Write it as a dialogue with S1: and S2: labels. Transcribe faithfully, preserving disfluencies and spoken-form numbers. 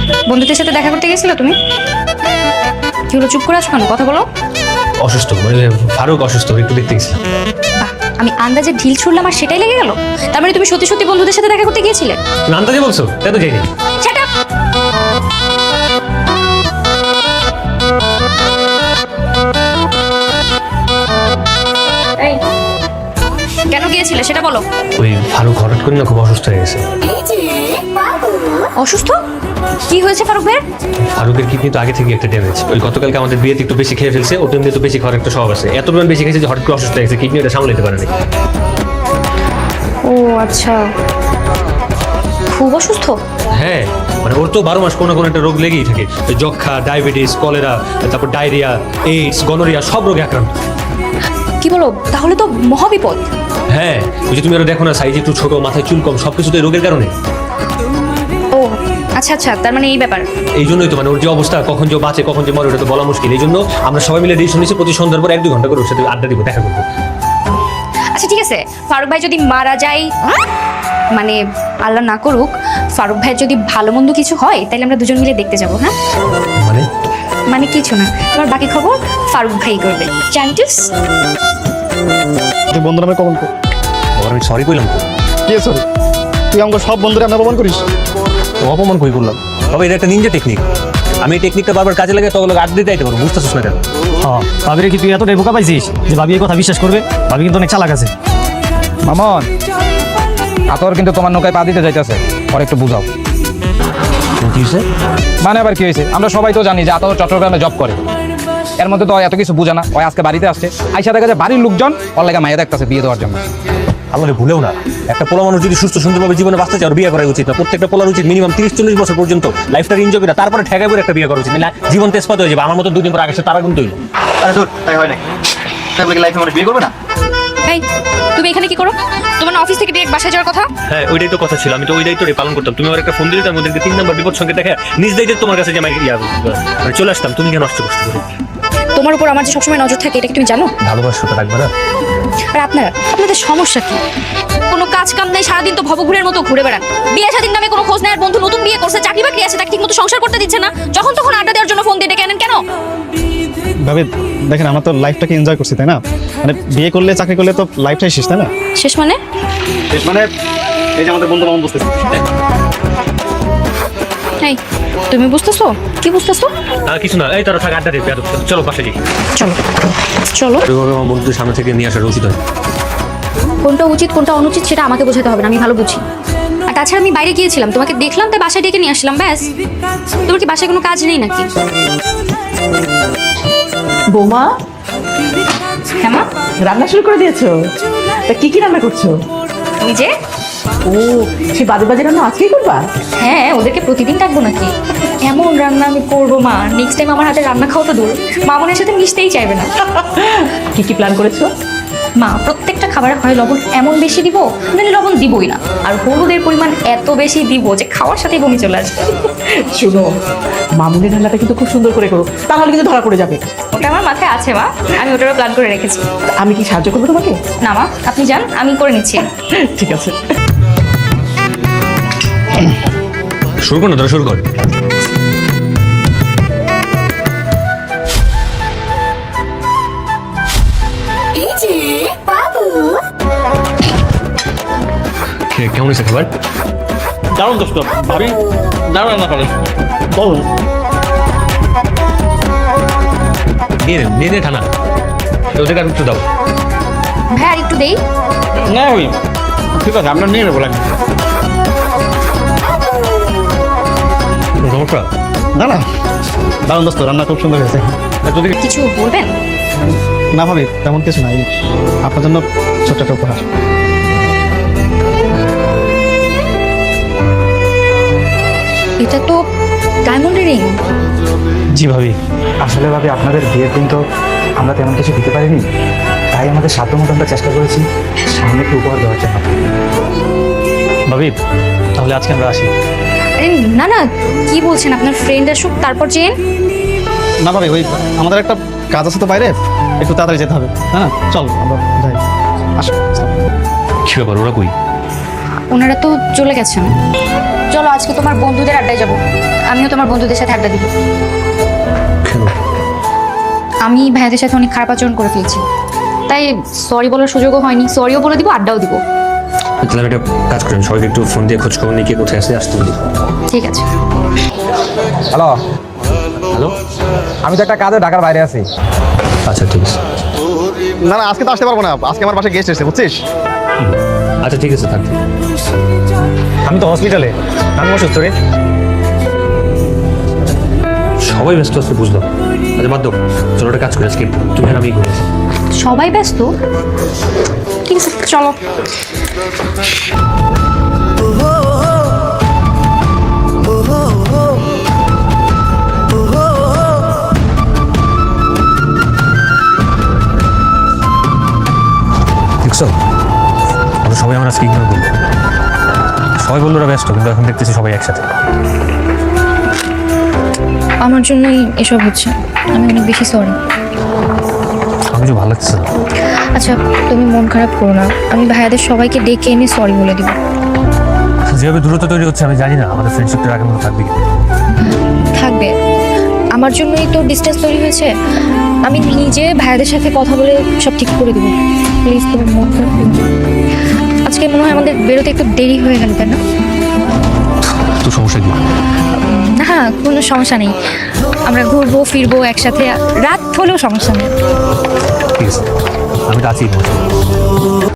S1: বন্ধুদের সাথে দেখা করতে গেছিলে তুমি? কি হলো, চুপ করে আসো কেন? কথা বলো।
S2: অসুস্থ, মানে ফারুক অসুস্থ, একটু দেখতে গেছিলাম।
S1: বাহ, আমি আন্দাজে ঢিল ছুড়লাম আর সেটাই লেগে গেল। তার মানে তুমি সত্যি সত্যি বন্ধুদের সাথে দেখা করতে গিয়েছিলে?
S2: তুমি আন্দাজে বলছো? তাই তো যাইনি।
S1: Shut up! এই, কেন গিয়েছিলে সেটা বলো।
S2: ওই ফারুক হঠাৎ করে না খুব অসুস্থ হয়ে গেছে।
S1: অসুস্থ? কি হয়েছে ফারুক ভাইয়ের?
S2: ফারুকের কিডনি তো আগে থেকে একটা ড্যামেজ। ওই গতকালকে আমাদের বিয়েতে একটু বেশি খেয়ে ফেলছে, ওটা এমনি তো বেশি খাওয়ার একটা স্বভাব আছে। এত পরিমাণ বেশি খেয়েছে যে হঠাৎ করে অসুস্থ হয়ে গেছে, কিডনি ওটা সামলাতে পারে না।
S1: ও আচ্ছা, খুব অসুস্থ?
S2: হ্যাঁ, মানে ওর তো বারো মাস কোনো কোনো একটা রোগ লেগেই থাকে। ওই যক্ষা, ডায়াবেটিস, কলেরা, তারপর ডায়রিয়া, এইডস, গনোরিয়া, সব রোগে আক্রান্ত।
S1: কি বলো, তাহলে তো মহাবিপদ।
S2: হ্যাঁ, ওই যে তুমি ওরা দেখো না, সাইজ একটু ছোট, মাথায় চুল কম, সবকিছু তো এই রোগের কারণে।
S1: ও আচ্ছা আচ্ছা, তার মানে এই ব্যাপার।
S2: এই জন্যই তো মানে ওর যে অবস্থা, কখন যে বাঁচে কখন যে মরে ওটা তো বলা মুশকিল। এই জন্য আমরা সবাই মিলে ডিসিশন নিয়েছি প্রতি সন্ধ্যার পর এক দুই ঘন্টা করে ওর সাথে আড্ডা দিব, দেখা করবো।
S1: আচ্ছা ঠিক আছে, ফারুক ভাই যদি মারা যায়, মানে আল্লাহ না করুক, ফারুক ভাই যদি ভালো মন্দ কিছু হয় তাহলে আমরা দুজন মিলে দেখতে যাবো। হ্যাঁ
S2: মানে
S1: মানে কিছু না, তোমার বাকি খবর ফারুক ভাই করবে। জানটিস
S3: তুই বন্ধুরা আমি কখন কর
S2: বাবার আমি সরি কইলাম তো।
S3: কে সরি? তুই আমাকে সব বন্ধুরা আমি অপমান করিস?
S2: তো অপমান কই করলাম? তবে এটা একটা নিনজা টেকনিক। আমি এই টেকনিকটা বারবার কাজে লাগে, তখন আড্ডা দিতে আইতে পারবো। বুঝতেছিস না কেন?
S4: হ্যাঁ, ভাবিরে কি তুই এতটাই বোকা পাইছিস যে ভাবি এই কথা বিশ্বাস করবে? ভাবি কিন্তু অনেক চালাক আছে।
S5: মামন, আতর কিন্তু তোমার নৌকায় পা দিতে যাইতেছে, পরে একটু বুঝাও।
S2: কি হয়েছে?
S5: মানে আবার কি হয়েছে? আমরা সবাই তো জানি যে আতর চট্টগ্রামে জব করে। এর মধ্যে তো এত কিছু বুঝে না। ওই আজকে বাড়িতে আসছে, আইসা দেখা যায় বাড়ির লোকজন ওর লেগে মাইয়া দেখতেছে বিয়ে দেওয়ার জন্য।
S2: আমাদের ভুলেও না, একটা পোলা মানুষ যদি সুস্থ সুন্দরভাবে জীবনে বাঁচতে চায়, ওর বিয়ে করা উচিত না। প্রত্যেকটা পোলার উচিত মিনিমাম তিরিশ চল্লিশ বছর পর্যন্ত লাইফটা এনজয় করে তারপরে ঠেকাই করে একটা বিয়ে করা উচিত। না জীবন তেজপাত হয়ে যাবে। আমার মতো দুদিন পর আগে তারা কিন্তু হইলো।
S6: আরে তোর তাই হয় না, তাহলে কি লাইফে মানুষ বিয়ে করবে না?
S1: এই, তুমি এখানে কি করো? তোমার না অফিস থেকে ডিরেক্ট বাসায় যাওয়ার কথা?
S2: হ্যাঁ, ওইটাই তো কথা ছিল। আমি তো ওই দায়িত্বটাই পালন করতাম। তুমি আমার একটা ফোন দিলে, তার মধ্যে তিন নম্বর বিপদ সঙ্গে দেখে নিজ দায়িত্বে তোমার কাছে যে আমি ইয়া মানে চলে আসতাম। তুমি কেন নষ্ট কষ্ট করো?
S1: তোমার উপর আমার যে সবসময় নজর থাকে, এটা কি তুমি জানো?
S2: ভালোবাসাটা রাখবে না?
S1: আর আপনারা, আপনাদের সমস্যা কি? কোনো কাজ কাম নাই, সারাদিন তো ভবঘুরের মতো ঘুরে বেড়ান। বিয়ে শাদীর নামে কোনো খোঁজ নেই। আর বন্ধু নতুন বিয়ে করছে, চাকরি বাকরি আছে, তাকে ঠিক মতো সংসার করতে দিচ্ছে না। যখন তখন আড্ডা দেওয়ার জন্য ফোন দিয়ে ডেকে আনেন কেন?
S3: ভাবে দেখেন, আমরা তো লাইফটাকে এনজয় করছি, তাই না? মানে বিয়ে করলে চাকরি করলে তো লাইফটাই শেষ, তাই না?
S1: শেষ মানে?
S3: শেষ মানে এই যে আমাদের বন্ধু মামন বুঝতেছি।
S1: এই, তুমি বুঝতেছো? কি বুঝতেছো?
S2: না কিছু না, এই তোরা থাক, আড্ডা দিতে চলো পাশে যাই।
S1: চলো চলো।
S2: আমার বন্ধুদের সামনে থেকে নিয়ে আসার উচিত হয়।
S1: কোনটা উচিত কোনটা অনুচিত সেটা আমাকে বোঝাতে হবে না, আমি ভালো বুঝি। আর তাছাড়া আমি বাইরে গিয়েছিলাম, তোমাকে দেখলাম তাই বাসায় ডেকে নিয়ে আসলাম, ব্যাস। তোমার কি বাসায় কোনো কাজ নেই নাকি?
S7: বৌমা,
S1: হ্যাঁ মা?
S7: রান্না শুরু করে দিয়েছো? তা কি কি রান্না করছো?
S1: ওই যে,
S7: ও, সে বাজে বাজে রান্না আজকেই করবা?
S1: হ্যাঁ, ওদেরকে প্রতিদিন ডাকবো নাকি? এমন রান্না আমি করবো মা, নেক্সট টাইম আমার হাতে রান্না খাওয়া তো দূর, মামনের সাথে মিশতেই চাইবে না।
S7: কি কি প্ল্যান করেছো?
S1: মা, প্রত্যেকটা খাবারে হয় লবণ এমন বেশি দিব, নাহলে লবণ দিবই না। আর হলুদের পরিমাণ এত বেশি দিব যে খাওয়ার সাথেই বমি চলে আসবে।
S7: শুনো, মামুনের রান্নাটা কিন্তু খুব সুন্দর করে করো, তাহলে কিন্তু ধরা পড়ে যাবে।
S1: ওটা আমার মাথায় আছে মা, আমি ওটারও প্ল্যান করে রেখেছি।
S7: তা আমি কি সাহায্য করবো তোমাকে?
S1: না মা, আপনি যান, আমি করে নিচ্ছি।
S7: ঠিক আছে।
S2: শুরু কর না, তোরা শুরু কর। কেমন হয়েছে খাবার?
S6: দারুণ দোস্ত, ভাবি দারুণ রান্না করে।
S3: বলো।
S2: নিয়ে নে, নিয়ে নে ঠানা। ওদেরকে আর একটু দাও।
S1: ভাই আর একটু দেই।
S6: না ওই ঠিক আছে, আমরা নিয়ে নেবো লাগবে।
S2: সমস্যা
S3: না না, দারুণ দোস্ত, রান্না খুব সুন্দর হয়েছে।
S2: তোদের
S1: কিছু বলবেন?
S3: না ভাবি, তেমন কিছু নাই, আপনার জন্য ছোট্ট একটা উপহার।
S1: এটা তো ডায়মন্ডের রিং।
S8: জি ভাবি, আসলে ভাবি আপনাদের বিয়ের দিন তো আমরা তেমন কিছু দিতে পারিনি, তাই আমাদের সাধ্যমতো আমরা চেষ্টা করেছি সামনে একটু উপহার দেওয়ার জন্য।
S4: ভাবি, তাহলে আজকে আমরা আসি।
S1: আরে না না, কি বলছেন? আপনার ফ্রেন্ড আসুক তারপর যেন।
S3: না ভাবি, ওই আমাদের একটা কাজ আছে তো বাইরে, একটু তাড়াতাড়ি যেতে হবে। হ্যাঁ, চল আমরা যাই। আসো।
S2: কি ব্যাপার, ওরা কই?
S1: ওনারা তো চলে গেছেন। চলো আজকে তোমার বন্ধুদের আড্ডায় যাব, আমিও তোমার বন্ধুদের সাথে আড্ডা দিব।
S2: কেন?
S1: আমি ভাইয়াদের সাথে অনেক খারাপ আচরণ করে ফেলছি, তাই সরি বলার সুযোগও হয়নি। সরিও বলে দিব, আড্ডাও দিব।
S2: তাহলে একটা কাজ করেন, সবাইকে একটু ফোন দিয়ে খোঁজ খবর নিয়ে কে কোথায় আসে আসতে বলি।
S1: ঠিক আছে।
S5: হ্যালো,
S2: হ্যালো,
S5: আমি তো একটা কাজে ঢাকার বাইরে আছি।
S2: আচ্ছা ঠিক আছে।
S3: না না আজকে তো আসতে পারবো না, আজকে আমার বাসায় গেস্ট এসেছে বুঝছিস।
S2: আচ্ছা ঠিক আছে, থাক।
S4: আমি তো হসপিটালে, আমি অসুস্থ রে।
S2: সবাই ব্যস্ত আছে বুঝলাম। আচ্ছা বাদ দাও, চলো একটা কাজ করে আজকে তুমি আর আমি ঘুরে আসি।
S1: সবাই ব্যস্ত, ঠিক আছে চলো।
S2: দেখছো, আমরা সবাই আমরা আজকে ইগনোর করবো। সবাই বললো ওরা ব্যস্ত, কিন্তু এখন দেখতেছি সবাই একসাথে।
S1: আমার জন্যই এসব হচ্ছে, আমি অনেক বেশি সরি।
S2: আমার কিছু ভালো লাগছে না।
S1: আচ্ছা তুমি মন খারাপ করো না, আমি ভাইয়াদের সবাইকে ডেকে এনে সরি বলে দিব।
S2: যেভাবে দূরত্ব তৈরি হচ্ছে আমি জানি না আমাদের ফ্রেন্ডশিপটা আগের মতো থাকবে কি।
S1: থাকবে, আমার জন্যই তো ডিস্টেন্স তৈরি হয়েছে। আমি নিজে ভাইয়াদের সাথে কথা বলে সব ঠিক করে দেবো। প্লিজ তুমি মন খারাপ করো না। আজকে মনে হয় আমাদের বেরোতে একটু দেরি হয়ে গেল, তাই না?
S2: তো সমস্যা কি?
S1: না কোনো সমস্যা নেই, আমরা ঘুরবো ফিরবো একসাথে, রাত হলেও সমস্যা নেই।
S2: ঠিক আছে, আমি তো আছি।